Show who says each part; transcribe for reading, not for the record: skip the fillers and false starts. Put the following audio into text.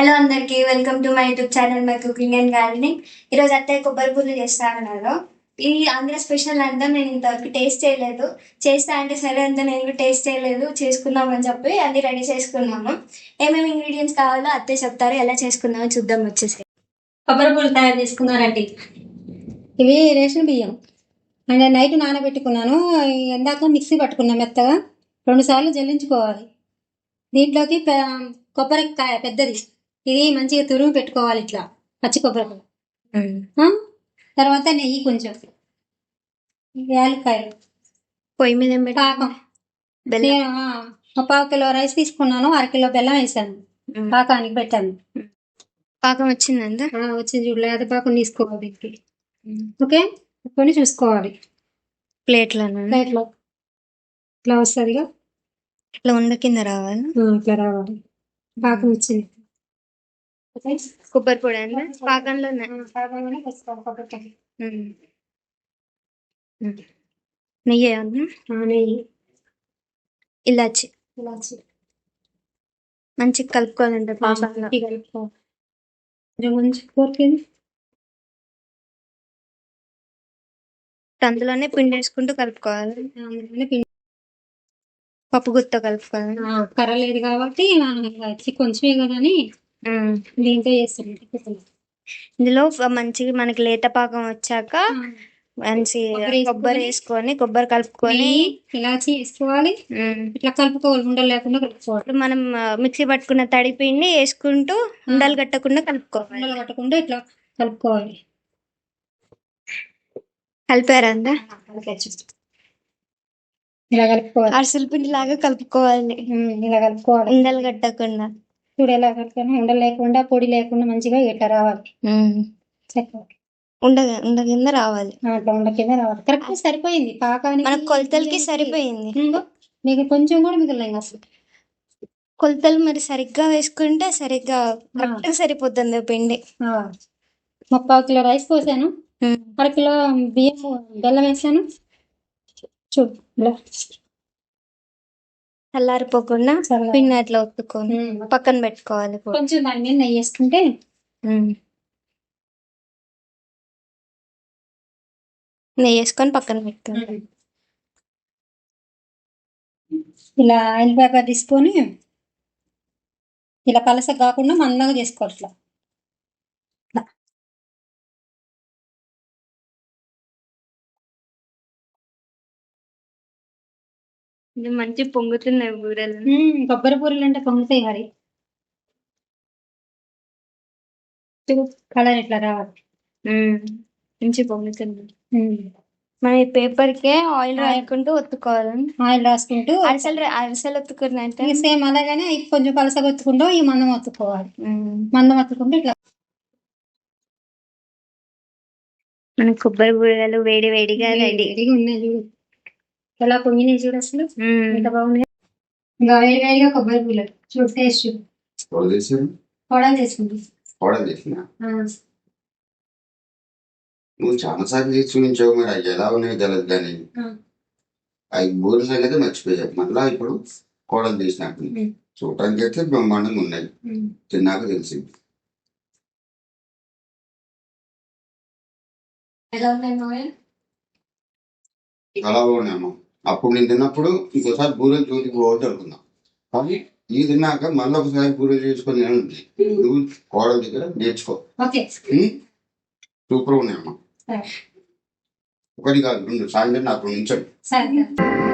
Speaker 1: Hello అందరికి, welcome to my YouTube channel my cooking and gardening. ఈరోజు అత్తయ్య కొబ్బరి పూలు చేస్తా అన్నారు. ఇది ఆంధ్ర స్పెషల్ అంతా నేను ఇంతవరకు టేస్ట్ చేయలేదు. చేస్తా అంటే సరే అంతా నేను టేస్ట్ చేయలేదు, చేసుకుందామని చెప్పి అన్ని రెడీ చేసుకున్నాము. ఏమేమి ఇంగ్రీడియంట్స్ కావాలో అత్తయ్య చెప్తారు, ఎలా చేసుకుందామో చూద్దాం. వచ్చేసి
Speaker 2: కొబ్బరి పూలు తయారు చేసుకున్నారండి. ఇవి రేషన్ బియ్యం అంటే నైట్ నానబెట్టుకున్నాను. ఎందాక మిక్సీ పట్టుకున్నాను మెత్తగా. 2 సార్లు జల్లించుకోవాలి. దీంట్లోకి కొబ్బరికాయ పెద్దది, ఇది మంచిగా తురుము పెట్టుకోవాలి ఇట్లా పచ్చి కొబ్బరి. తర్వాత నెయ్యి కొంచెం, యాలక్కాయలు,
Speaker 1: పొయ్యి మీద
Speaker 2: పాకం. నేను 1/4 కిలో రైస్ తీసుకున్నాను, 1/2 కిలో బెల్లం వేసాను, పాకానికి పెట్టాను.
Speaker 1: పాకం వచ్చిందంతా
Speaker 2: వచ్చింది చూడలే, అది పాకం తీసుకోవాలి దీనికి. ఓకే, కొన్ని చూసుకోవాలి.
Speaker 1: ప్లేట్లో
Speaker 2: ఇట్లా వస్తుందిగా,
Speaker 1: ఇట్లా ఉండ కింద రావాలి.
Speaker 2: ఇట్లా రావాలి. పాకం వచ్చింది.
Speaker 1: కొబ్బరి పొడి అండి పాకంలో నెయ్యి
Speaker 2: నెయ్యి,
Speaker 1: ఇలాచి మంచిగా కలుపుకోవాలంటే పాకంలో. అందులోనే పిండి వేసుకుంటూ కలుపుకోవాలి. పప్పు గుత్త కలుపుకోవాలి.
Speaker 2: కర్ర లేదు కాబట్టి కొంచెమే కదా అని దీంతో చేస్తాం.
Speaker 1: ఇందులో మంచిగా మనకి లేత పాకం వచ్చాక మంచి కొబ్బరి వేసుకొని, కొబ్బరి కలుపుకొని,
Speaker 2: ఇలాచి వేసుకోవాలి. ఇట్లా కలుపుకోవాలి, ఉండలు లేకుండా కలుపుకోవాలి.
Speaker 1: మనం మిక్సీ పట్టుకున్న తడి పిండి వేసుకుంటూ ఉండలు కట్టకుండా కలుపుకోవాలి.
Speaker 2: ఉండలు కట్టకుండా ఇట్లా కలుపుకోవాలి.
Speaker 1: కలిపారా అందా?
Speaker 2: ఇలా కలుపుకోవాలి.
Speaker 1: అరిసెల పిండి లాగా కలుపుకోవాలి.
Speaker 2: ఇలా కలుపుకోవాలి, ఉండలు
Speaker 1: కట్టకుండా.
Speaker 2: చూడు ఎలా కలుపుకొని, ఉండలు లేకుండా, పొడి లేకుండా మంచిగా ఇట్లా రావాలి.
Speaker 1: ఉండ కింద రావాలి.
Speaker 2: అట్లా ఉండ కింద రావాలి. కరెక్ట్ సరిపోయింది పాకానికి,
Speaker 1: మన కొలతలకి సరిపోయింది.
Speaker 2: మీకు కొంచెం కూడా మిగిలిన అసలు
Speaker 1: కొలతలు మరి సరిగ్గా వేసుకుంటే సరిగ్గా కరెక్ట్ సరిపోతుంది పిండి.
Speaker 2: 1/4 కిలో రైస్ పోసాను, 1/2 కిలో బియ్యం బెల్లం వేసాను. చూడు
Speaker 1: చల్లారిపోకుండా పిండి అట్లా ఒత్తుకొని పక్కన పెట్టుకోవాలి.
Speaker 2: కొంచెం దాని మీద నెయ్యి వేసుకుంటే
Speaker 1: నెయ్యి వేసుకొని పక్కన పెట్టుకోవాలి.
Speaker 2: ఇలా ఆయిల్ పేపర్ తీసుకొని ఇలా పలస కాకుండా మందంగా చేసుకోవాలి. ఇట్లా
Speaker 1: ఇది మంచి పొంగుతున్నాయి బూరెలు.
Speaker 2: కొబ్బరి పూరీలు అంటే పొంగుతాయి. మరి కలర్ ఇట్లా రావాలి,
Speaker 1: మంచి పొంగుతుంది. మన పేపర్ కే ఆయిల్ రాసుకుంటూ ఒత్తుకోవాలి.
Speaker 2: ఆయిల్ రాసుకుంటూ
Speaker 1: అరిసెలు ఒత్తుకున్నట్టు
Speaker 2: సేమ్ అలాగనే కొంచెం పలసగా ఒత్తుకుంటూ ఈ మందం ఒత్తుకోవాలి. మందం ఒత్తుకుంటూ ఇట్లా
Speaker 1: మన కొబ్బరి బూరెలు వేడి వేడిగా రెడీగా
Speaker 2: ఉన్నాయి. చూడు ఎలా పొంగినాయి, చూడు అసలు ఎంత బాగున్నాయి. ఇంకా వేడి వేడిగా కొబ్బరి బూరెలు చూడు, టేస్ట్ చూడు. పొడలు చేసుకుంటాం.
Speaker 3: నువ్వు చాలా సార్లు చేసి చూపించావు, మరి అవి ఎలా ఉన్నాయో తెలియదు. కానీ అవి బూరెల సంగతి మర్చిపోయావు. మళ్ళా ఇప్పుడు కోడలు తీసినట్టు చూడటానికి అయితే బ్రహ్మాండంగా ఉన్నాయి, తిన్నాక తెలిసింది. చాలా బాగున్నాయమ్మా. అప్పుడు నేను తిన్నప్పుడు ఇంకోసారి బూరెలు చూసి పోవద్దు అనుకున్నాం, కానీ ఈ తిన్నాక మళ్ళీ ఒకసారి బూరెలు చేసుకొని తినండి. నువ్వు కోడల దగ్గర నేర్చుకో. సూపర్ ఉన్నాయమ్మా. ఒకటి కాదు, 2 సాయంత్రం నాకు ఉంచండి.